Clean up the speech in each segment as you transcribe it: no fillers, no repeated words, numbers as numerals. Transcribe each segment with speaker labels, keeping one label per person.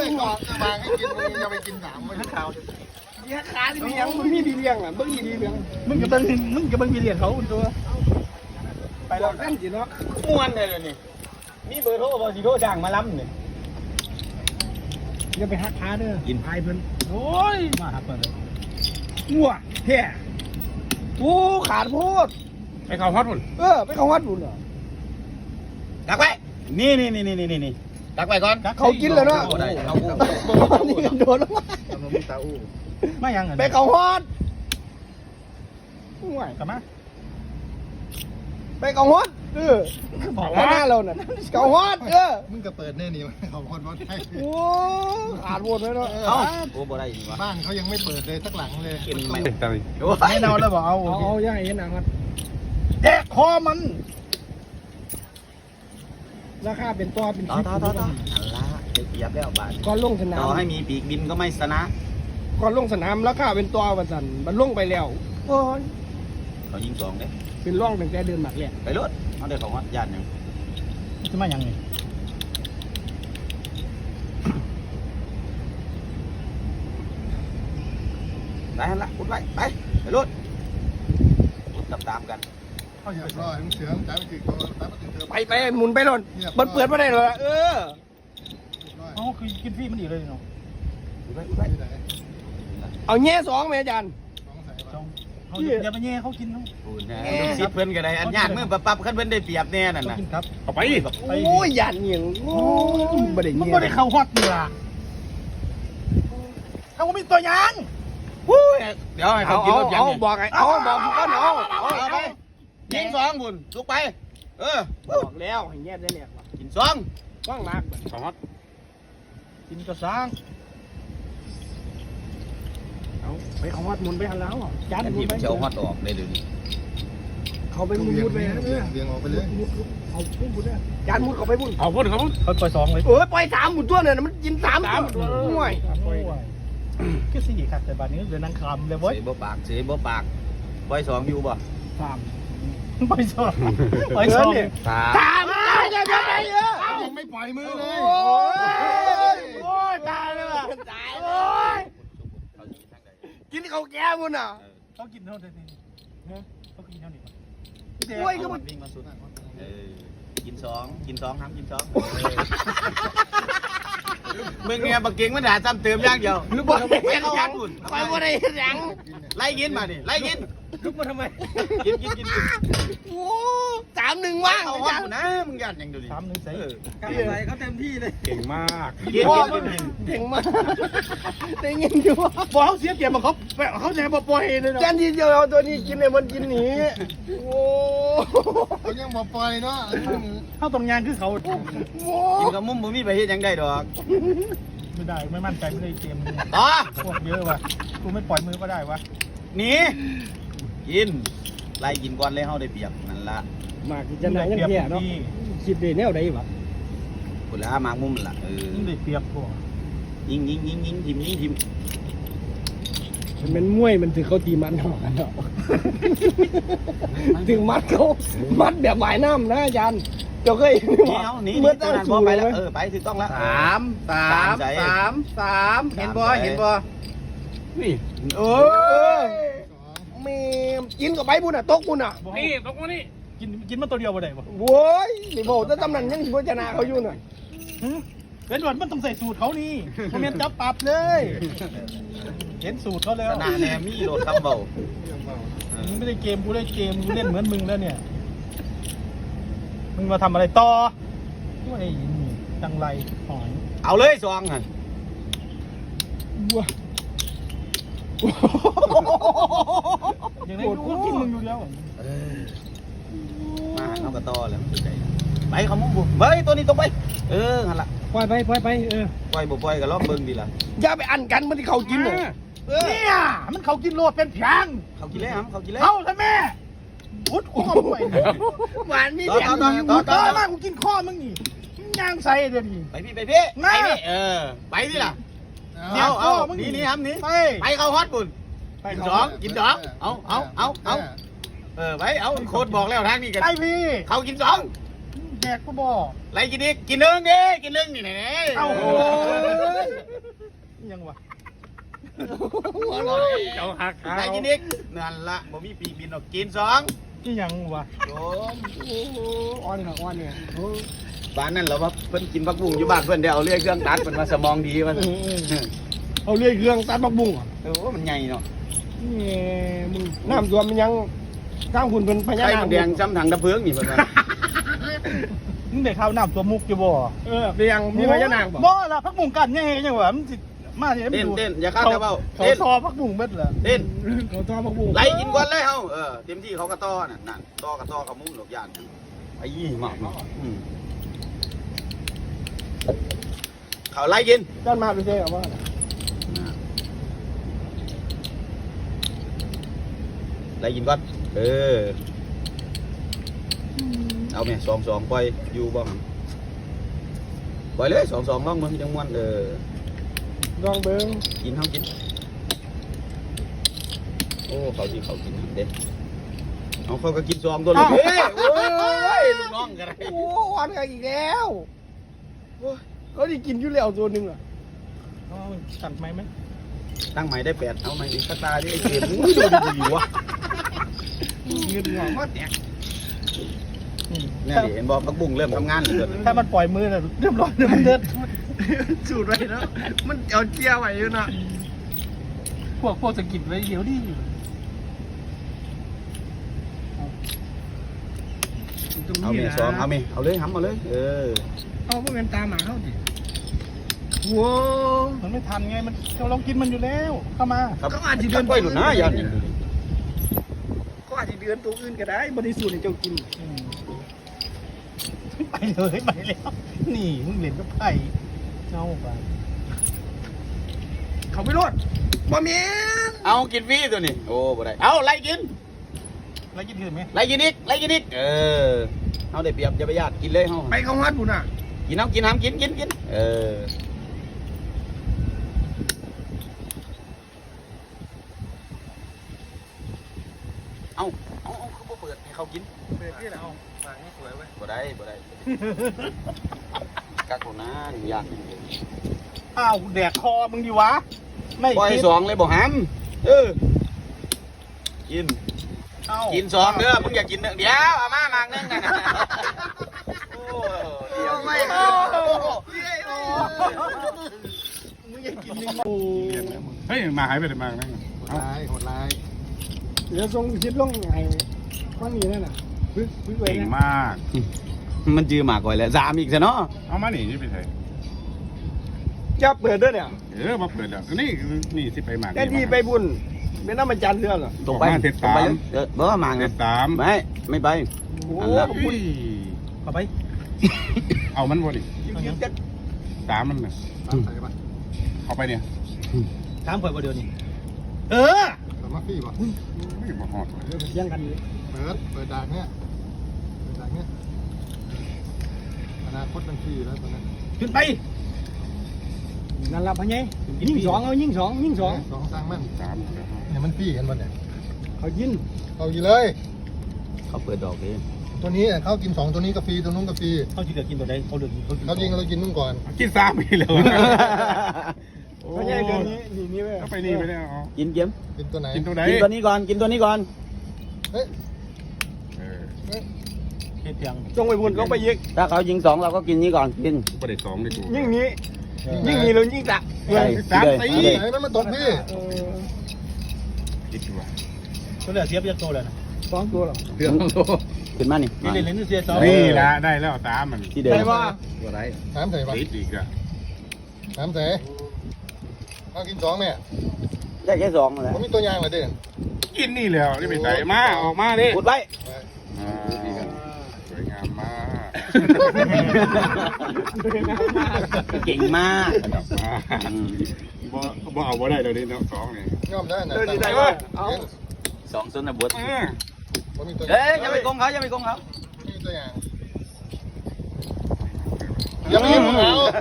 Speaker 1: ยก่อนจะมาให้กินมึงจะไปกิน3ไม่ข่าว
Speaker 2: เลี้ยงขาที่มียังมึงมีดีเลี้ยงอ่ะมึงมีดีเลี้ยง
Speaker 3: มึงกับมึงมีเรียนเขาตัวไปแล้ว
Speaker 2: นั่นสิเนาะ
Speaker 3: ม้วนเลยนี่มีเบอร์โทรบ่สิโทรจ้างมาล้ำนี่
Speaker 2: อย่าไปหักขาเด้อกินพายเพิ่น
Speaker 3: โอ้ยมาหักเปิดเลย
Speaker 2: งัวแท้โอ้ขาดโพด
Speaker 3: ไปเข้าฮอตพุ่น
Speaker 2: ไปเข้าวัดบุญเหรอ
Speaker 3: ดักไว้นี่ดักไว้ก่อน
Speaker 2: เขากินแล้วเนาะ
Speaker 3: ได้เขา
Speaker 2: นี่โดนแล้ว
Speaker 1: มันมีตาอู้
Speaker 3: ไม่ยัง
Speaker 2: ไปเข้าวัดห่วย
Speaker 3: กลับมา
Speaker 2: ไปเข้าวัดบอกว่าหน้าเราน่ะเข้าวัด
Speaker 1: มึงก็เปิดแน่นี่เขาคนว่าไทย
Speaker 2: โอ้ขาดโพดเลยเนาะ
Speaker 3: เอ้าโอ้บ่ได้วะ
Speaker 1: บ้านเขายังไม่เปิดเลยสักหลังเลย
Speaker 3: กินไม่ได้ไม่เนาแล้วบ่เอา
Speaker 2: เอาย่าเห็นหนังมัน
Speaker 3: แดกคอมัน
Speaker 2: ราคาเป็นตัวเป็น
Speaker 3: ต่ออันละเดี๋ยวเสียบแล้วบาท
Speaker 2: ก่อนลงสนาม
Speaker 3: ต่อให้มีปีกบินก็ไม่ชนะ
Speaker 2: ก่อนลงสนามราคาเป็นตัววันสันมันลงไปแล้วโอ้ย
Speaker 3: เขายิง2เด้
Speaker 2: เป็นร่องตั้งแต่เดินหมักเลย
Speaker 3: ไปรถเอาได้ของวัดญาติยังจะมายังไงไปหันละพุดไว้ไปรถตามกัน
Speaker 1: เขาอยากรอให้มึงเสือมึงจ่ายไปถึงเขาจ่ายไปถึงเธอ
Speaker 2: ไปหมุนไปหล่นมันเปิดไม่ได้เลยเออ
Speaker 3: อ๋อคือกินฟรีมันดีเลยเนาะ
Speaker 1: ที่ไหน
Speaker 2: เอาแง่สองไหมอาจารย์
Speaker 3: เขาอย่าไปแย่เขากินเนาะซิเพิ่นก็ได้อันยากมือปั๊บขั้นเพิ่นได้เปรียบแน่นั่นน่ะครับเอาไป
Speaker 2: โอ้ยหยาดเหนียงโอ้ยบ่ได้
Speaker 3: มัน
Speaker 2: เงี้ย
Speaker 3: บ่ได้เข้าฮอตนี่ล่ะเขามีตัวยางวู้เดี๋ยวให้เขากินรถยัง
Speaker 2: เอาบอกไอ้เอาบอกกูก่อนเอา
Speaker 3: เอาไปกิน2บุญลุกไป
Speaker 2: บอกแล้วให้แง่ได้เนี่ย
Speaker 3: กิน2
Speaker 2: ว่างมาก
Speaker 3: ของฮอตกินกระซัง
Speaker 2: เอาไปเขาวัดหมุนไปหันแล้วจาน
Speaker 3: อัน
Speaker 2: หมุ
Speaker 3: ที่
Speaker 2: นไป
Speaker 3: มันจะเอาฮอตออกได้เดี๋ยวนี้
Speaker 2: เขาไป
Speaker 1: ต้อง
Speaker 2: มุ
Speaker 1: เวียง
Speaker 2: ดไป
Speaker 1: เวียงออกไปเลย
Speaker 2: เอามุดจานมุดเขาไปมุด
Speaker 3: เอาพุ่นเขาปล่อย2เลย
Speaker 2: ปล่อย3หมุดตัวเนี่ยมันกิน3ตัวห่วย
Speaker 3: ก็สี่ครับแต่บัดนี้เดี๋ยวนั่งคำเลยเว้ยเสียบ่ปากปล่อย2อยู่บ่
Speaker 2: 3
Speaker 3: ปล่อย2ปล่อย2เนี่ย
Speaker 2: ตามตายเลยไปเยอะ
Speaker 1: ยังไม่ปล่อยมือเลย
Speaker 2: โอ้ยตายเลยว่ะตายโอ้ยกินเขาแก้มุนอ่ะ
Speaker 3: เขากินเท่านี้เขากินเท่านี้
Speaker 2: โอ้ยก็มัน
Speaker 3: วิ่งมาสุดกิน2ห้ามกิน2มึงเนี่ยบักเก่งมันด่าซ้ำเติมอย่างเดียว
Speaker 2: หรือบอก
Speaker 3: ไม่เข้าห้องอุ่น
Speaker 2: ไปว่าได้ยัง
Speaker 3: ไล่กินมาดิไล่กิน
Speaker 2: ลุกมาทำไม
Speaker 3: กิน
Speaker 2: โอ้3-1ว่าง
Speaker 3: เอาห้องนะมึงยันอย่างเดียวดิ3-1ใส่
Speaker 2: กลับไปเขาเต็มที่เลย
Speaker 3: เก่งมาก
Speaker 2: เก่งมากได้เงินอยู่
Speaker 3: บอกเขาเสียเปรียบมาเขาจะให้ปล่อยเลยนะ
Speaker 2: จานที่เดียวเอาตัวนี้กินเนี่ยมันกินหนีโอ้
Speaker 1: เขายังมาปล่อยเนาะ
Speaker 3: เขาตรงงานคือเขา
Speaker 2: โห
Speaker 3: กินกับมุ้มบ่มีไปเฮ็ดยังได้ดอกไม่ได้ไม่มั่นใจไม่ได้เกมต่อพวกเยอะว่ะกูไม่ปล่อยมือก็ได้วะหนีกินไล่กินก่อนเลยเฮาได้เปรียบนั่นละ
Speaker 2: มากจะไหนยังแย่เนาะคิดได้แนวใดวะ
Speaker 3: พุ่นละมากมุมล่ะได้เปรียบพวกยิงทิม
Speaker 2: มันมวยมันถือเขาตีมันหอกกันเนาะถึงมัดเขามัดแบบหวายน้ำนะอาจารย์เจ้าเคย
Speaker 3: นี่
Speaker 2: เมื่อตั้ง
Speaker 3: บ่
Speaker 2: สู
Speaker 3: ไป
Speaker 2: ไป
Speaker 3: แล้
Speaker 2: แล้ว ว
Speaker 3: ไปถูกต้องแล้ว
Speaker 2: 3เห็นบ่นี่เออแม่กินกับไปบุญอ่ะตกบุญอ่ะ
Speaker 3: นี่ตรงนี้กินมันตัวเดียวบ่ได้บ่
Speaker 2: โว้ยนี่บอกแต่ตำนั้นยังสิบ่ชนะเขาอยู่น่ะ
Speaker 3: เป็นหวัดมันต้องใส่สูตรเขานี่คอมเมนต์จับปรับเลยเห็นสูตรเขาแล้วชนะแนมี่โหลดคำเบามึงไม่ได้เกมกูได้เกมกูเล่นเหมือนมึงแล้วเนี่ยมึงมาทำอะไรต่อไอ้จังไรหอยเอาเลยซองอ่ะ
Speaker 2: ว้า
Speaker 3: อย่างนี้กูกินมึงอยู่แล้วมาเอากระต่อแล้วไปเขามุ่งบุกไปตัวนี้ตรงไปหันละ
Speaker 2: ปล่อยไปปล่อย
Speaker 3: บ่ปล่อยก็ล้อมเบิ่งดีล่ะ
Speaker 2: อย่าไปอันกันมันที่เขากินน่ะ
Speaker 3: เนี่ยมันเขากินโลดเป็นเพียงเขากินแล้วเขากินแล้วเขาใช่ไหมพุทธข้อไป
Speaker 2: หวานมี
Speaker 3: ต่อ
Speaker 2: แถม
Speaker 3: ต่อมากกูกินข้อมึงนี่ย่างใส่เดี๋ยวนี้ไปพี่ไปพี่ไปดิล่ะเอานี่ครับนี่ไปเข้าฮอตบุญกินดอกเอาไปเอาโคตรบอกแล้วทางนี้กันไปพี่เขากิน2แดกก็บอกไรกินอีกกิน1ดิกิน1นี่ไหนเอายังวะ
Speaker 2: เจ้าหักได้กินอีกนั่นละบ่มีปีบินออกกินสอง
Speaker 3: นี่ยังวะ
Speaker 2: โยม
Speaker 1: อ้อนเนี่ยอ้อนเนี่ย
Speaker 2: บ้านนั่นเราว่าเพิ่นกินผักบุ้งอยู่บ้านเพิ่นได้เอาเลื่อยเครื่องตัดเพิ่นว่าสมองดีมัน
Speaker 1: เอาเลื่อยเครื่องตัดบักบุ้ง
Speaker 2: โอ้มันใหญ่เนาะ
Speaker 1: นี่มึงน้ำท่วมมันยังข้างคุณเป็นพญา
Speaker 2: ไข่
Speaker 1: นา
Speaker 2: มั
Speaker 1: คน
Speaker 2: แดงซ้ำถังดับเพลิงนี่เพิ่นว่า
Speaker 3: มึงได้ข้าวน้ำตัวมุกอยู่บ่
Speaker 1: เป็นยังมีพญานาคบ่
Speaker 3: บ่ล่ะพักบุ้งกันยังไงยังวะมันสิมาเนี่ย
Speaker 2: เต้นเต้นอย่าข้ามนะเบ้า
Speaker 3: เขา
Speaker 2: เต้น
Speaker 3: ซอพักบุ้งเบ็ดเหรอ
Speaker 2: เต้น
Speaker 1: เขาทอดบักบุ้ง
Speaker 2: ไล่กินก่อนเลยเฮาเต็มที่เขาก็ต้อนั่นต้อกับต้อกับมุ้งดอกยานไอ้ยี่หมากเขาไล่กิน
Speaker 1: ด้านมาดูสิว่า
Speaker 2: ไล่กินก่อนเอาแม่2-2ปล่อยอยู่บ้างปล่อยเลย2-2ลองมึงจังม่วน
Speaker 1: ลองเบิ้ง
Speaker 2: กินเฮากินโอ้เขาสิเขากินเด้เอาเขาก็กินซองตัวลูกเอ้ยโอ้ยลูกน้องกันไร
Speaker 1: โอ้อ้อนกันอีกแล้วก็ได้กินอยู่แล้วตัวนึงอ่ะ
Speaker 3: เอาสั่นไหมไหม
Speaker 2: ตั้งใหม่ได้8เอาใหม่อีกตาดิเกมดูดีวะ
Speaker 1: เงินหัวมาแตก
Speaker 2: นี่เห็นบอกพักบุ้งเริ่มทำงานเลย
Speaker 3: ถ้ามันปล่อยมือน่ะเรียบร้อยเลยมันเด็ด
Speaker 1: สูตรไว้แล้วมันเอาเจียวไว้อยู่นะ
Speaker 3: พวกสกิดไว้เดี๋ยวดิ
Speaker 2: เอาเมย์ซ้อมเอาเมย์เอาเลยทำเอาเลย
Speaker 1: เอาพวกเงินตามหมาเขาดิว้า
Speaker 3: มันไม่ทันไงมันเราลองกินมันอยู่แล้วเข้ามา
Speaker 1: ก็อาจจะเดือน
Speaker 2: ไปหลุดนะยัน
Speaker 1: ก็อาจจะเดือนตัวอื่นก็ได้บริสุทธิ์ในเจ้ากิน
Speaker 3: ไปเลยไปแล้วนี่มึงเล่นกับไผ่เอาไป
Speaker 1: เขาไม่รอดบ่เมียน
Speaker 2: เอากินฟรีตัวนี้โอ้บ่ได้เอาไล่กิน
Speaker 3: แล้วกินอื่นไหม
Speaker 2: ไล่กินอีกไล่กินอีกเอาได้เปรียบอย่าไปญาติกินเลยเฮา
Speaker 1: ไปเขาฮัดบุญอ่ะ
Speaker 2: กินน้ำกินน้ำกินเอาเขาบ่เปิดให้เขากิน
Speaker 1: เปิดที่ไหนเอาฝากนี่สวยไว้
Speaker 2: บ่ได้กักโหน้าอยาก
Speaker 3: อ้าวแดกคอมึงดีวะไม่
Speaker 2: ปล่อย
Speaker 3: กิน
Speaker 2: สองเลยบ่หำกิน
Speaker 3: เอ้า
Speaker 2: กินสองเด้อมึงอยากกินเดี๋ยวเอามามากนึงนะโอ้เดี๋ยวไม่
Speaker 1: มึงอยากกินยัง
Speaker 3: โอ้
Speaker 4: เฮ้ยมาหายไปไหนมานะ
Speaker 1: โหดร้ายเดี๋ยวส่งคลิปลงไงข้างนี้นั่นน่ะพึ่งไว้
Speaker 4: เก่ง
Speaker 1: นะ
Speaker 4: มาก
Speaker 2: มันจือหมากก่อยแล้วสามอีกซะเนาะ
Speaker 4: เอามาหนีนี่ไปใส่
Speaker 1: จะเปิดด้วยเนี่ย
Speaker 4: มาเปิดแล้วนี่สิไปหมาก
Speaker 1: แค่ที่ไปบุญเป็นน้ำมันจันทร์เรื่องเหรอ
Speaker 2: ตรงไปเบอร์หมาก
Speaker 4: เด็
Speaker 2: นะ
Speaker 4: ดตาม
Speaker 2: ไม่ไป
Speaker 1: โอ้
Speaker 2: อันละ
Speaker 1: บุญ
Speaker 3: เอาไป
Speaker 4: เอามันบ่ดิ
Speaker 1: ยิ้มจะ
Speaker 4: ตามมันนะเอาไปเนี่ย
Speaker 3: ถามข่อยว่าเดี๋ยวนี้
Speaker 1: มาฟี่ป่ะ
Speaker 4: ไม่บอกหอด
Speaker 1: เดี๋ยวยังกันเลยเปิดด่านเนี่ยอนาคตมันฟี่แล้วตอนนั้น
Speaker 3: ขึ้นไป
Speaker 1: นั่นละพันยัยยิ่งสองเอายิ่งสองสองสร้างมัน
Speaker 4: ตาม
Speaker 1: เนี่ยมันฟี่กันมันเนี่ยเขายินเขายินเลย
Speaker 2: เขาเปิดดอกเลย
Speaker 1: ตัวนี้เขากิน2ตัวนี้ก็ฟรีตัวนู้นก็ฟรี
Speaker 3: เขาจะเลือกกินตัวใดเขาเลือกกิน
Speaker 1: เขายิงเรากินนู่นก่อน
Speaker 4: กินซ้ำไปเลย
Speaker 1: พันยัยเดือนนี้นี่เว้ย
Speaker 4: ก็ไปนี่ไปแล้ว
Speaker 2: กินเกม
Speaker 1: กินตัวไหน
Speaker 4: กินตัวไหน
Speaker 2: กินตัวนี้ก่อน
Speaker 1: เฮ้ย
Speaker 3: เฮ็ดเพียง
Speaker 1: จงไปบุญจงไปยิง
Speaker 2: ถ้าเขายิงสองเราก็กินนี้ก่อนกิน
Speaker 4: ประเด็นสองเลยกู
Speaker 1: ยิ่งนี้เรายิ่งตัก
Speaker 4: สามสี่
Speaker 1: ไหนมันมาตกพี่
Speaker 4: คิดดูว่า
Speaker 3: ตัวเหลือเสียไปจากตัวเลยนะ
Speaker 1: สองตัวหรอ
Speaker 4: เรื่อง
Speaker 2: ขึ้นมานี่
Speaker 3: นี่เล่นเสียสอง
Speaker 4: นี่ละได้แล้วตามมัน
Speaker 2: ที่เดิม
Speaker 1: ใส่ว่า
Speaker 4: ตัวไหน
Speaker 1: ถามใส่ป่ะ
Speaker 4: ติดอีกอะ
Speaker 1: ถามใส่เขากิน2เนี่ย
Speaker 2: ได้แค่สองแหละ
Speaker 1: ผมมีตัวยางเหรอเด่น
Speaker 4: กินนี่แล้วนี่ไปใส่มาออกมาดิ
Speaker 2: พูดไว้
Speaker 4: สวยงามมาก
Speaker 2: เก่งมาก
Speaker 4: บ่เอาบ่ได้เดี๋ยวนี้น้องสองนี่
Speaker 1: ย่อมได้นะ
Speaker 4: ได้ว่า
Speaker 2: สองส้นนะบด
Speaker 1: ผมมีตัว
Speaker 2: เอ้ยอย่าไปโกงเขาอย่าไปโกงเขา
Speaker 1: มีตัวอย่างอย่าไปยิงเขา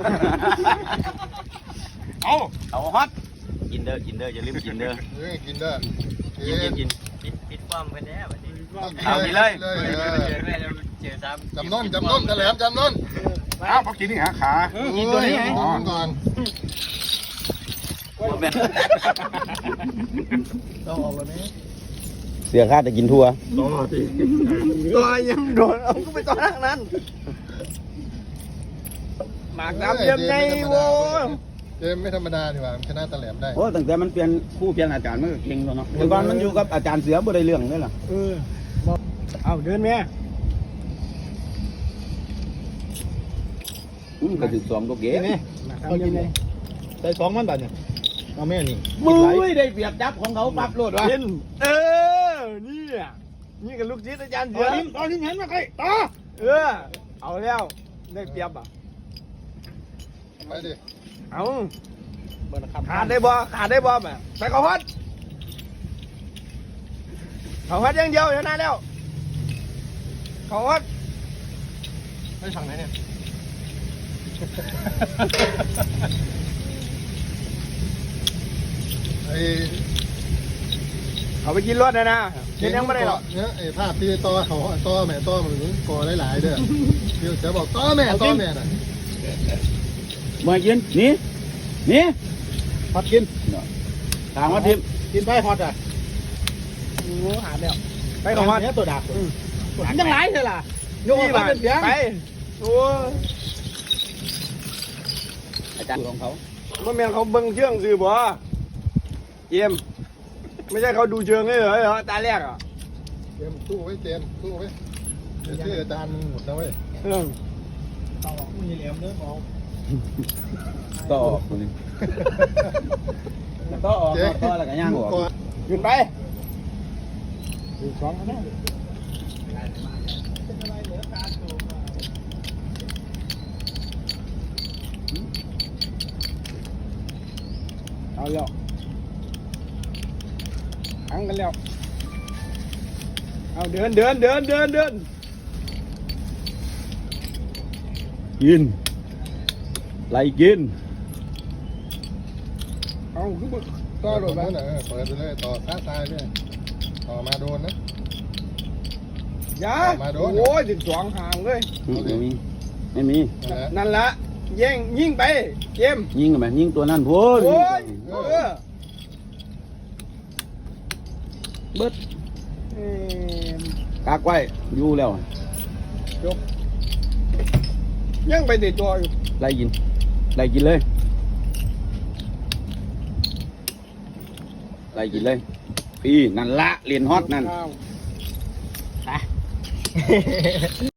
Speaker 4: เอา
Speaker 2: ฮอตกินเด้ออย่าลืมกินเด้อ
Speaker 1: กินได้
Speaker 2: กิน
Speaker 5: ปิดความไปแล้ววันนี้
Speaker 2: เอาไปเลย
Speaker 5: เจอแม่จะเจอซ้ำ
Speaker 1: จำนนแถลงจำนน
Speaker 4: เอาพอกินนี่หาขา
Speaker 1: กินตัวนี้ก่อน
Speaker 2: เนี่ย
Speaker 3: ต้องออกแล้วนี้
Speaker 2: เสียค่าจะกินทั่ว
Speaker 1: ต่อสิ
Speaker 2: ตัวยังโดนเอาก็ไปต่อทางนั้นหมากดำยังไงโว้ย
Speaker 1: เจมไม่ธรรมดาดีกว่าชนะตะแหลมได้
Speaker 2: โอ้ตั้งแต่มันเปลี่ยนคู่เปลี่ยนอาจารย์มันก็เก่งแล้วเนาะแต่ก่อนมันอยู่กับอาจารย์เสือบ่ได้เรื่องเลยล่ะ
Speaker 1: เอาเดินแม่
Speaker 2: ก็ถึง2ตัวเก๋
Speaker 1: เอายังไง
Speaker 3: ได้2มันบาทเนี่ยเอาแม่นี่
Speaker 2: มือได้เปรียบจับของเขาปรับโลดวะ
Speaker 1: นี่อ่ะนี่กับลูกจิตอาจารย์
Speaker 3: ต
Speaker 1: เสื
Speaker 3: อ
Speaker 1: อน
Speaker 3: นี้เห็นมาใครต่อ
Speaker 1: เอาแล้วได้เปรียบอ่ะ
Speaker 4: ไปดิ
Speaker 1: เอา
Speaker 3: เบอร์นะครับ
Speaker 1: ขาดได้บ่แบบไปเขาฮัดเขาฮัดอย่างเดียวชนะแล้วเขาฮัด
Speaker 3: ไปฝั่งไหนเนี่ย
Speaker 4: ไอ้
Speaker 1: เขาไปกินรถนะกินยังไม่ได้หรอก
Speaker 4: เนี่ยไอ้ภาพที่ต่อเขาต่อแม่ต่อมันก่อหลายๆเด้อเดี๋ยวจะบอกต่อแม่น่ะ
Speaker 2: มากินนี่
Speaker 3: ฮอตกิน
Speaker 2: ถามว่าทิม
Speaker 3: กินไปฮอตอ่ะ
Speaker 1: โอ้หาแล้วไปเขาฮัด
Speaker 3: เนี่ยตัวดักหันยังไรเลยล่ะโยกมาเป็นเสียง
Speaker 1: ไปโอ้
Speaker 2: อาจารย์ของเขา
Speaker 1: ว่าแม่เขาเบิ่งเชื่องสื่อบ่เจมไม่ใช่เขาดูเชิงเลยเหรอตาแรกอ่ะ
Speaker 4: เจมสู้ไว้เจมสู้ไว้เดี๋ยวชื่ออาจารย์หมดแล้วเว้ย
Speaker 3: ต่อมึงอย่าเหลี่ยมเด้อมอง
Speaker 2: ต่อออกคนนึงต่อออกต่อแล้วก็ย่างออก
Speaker 1: ขึ้นไป
Speaker 3: 2นะ
Speaker 1: เอาแล้วขังกันแล้วเอาเดิน
Speaker 2: กินไล่กิน
Speaker 1: เอาคือบ่
Speaker 4: ต่
Speaker 1: ต่
Speaker 4: อ
Speaker 1: อ
Speaker 4: โด
Speaker 1: ร
Speaker 4: น
Speaker 1: ถ
Speaker 4: ไป
Speaker 1: ไป
Speaker 4: เลยเปิดไปเลยต่อซ้ายเลยต่อมาโดนนะ
Speaker 1: อย่า
Speaker 4: มาโดน
Speaker 1: โอ้ย12ห่างเลย
Speaker 2: ไม่มี
Speaker 1: นั่นละแย่งยิงไปเจม
Speaker 2: ยิงกันไหมยิงตัวนั่นพูด
Speaker 1: โอ้ยเ
Speaker 2: เบิด
Speaker 1: อิ่ม
Speaker 2: กากไว้อยู่แล้ว
Speaker 1: ยังไปติดตัวอยู่
Speaker 2: ไล่กินเลยไล่กินเลยพี่นั่นละเรียนฮอตนั่น
Speaker 1: อ้าว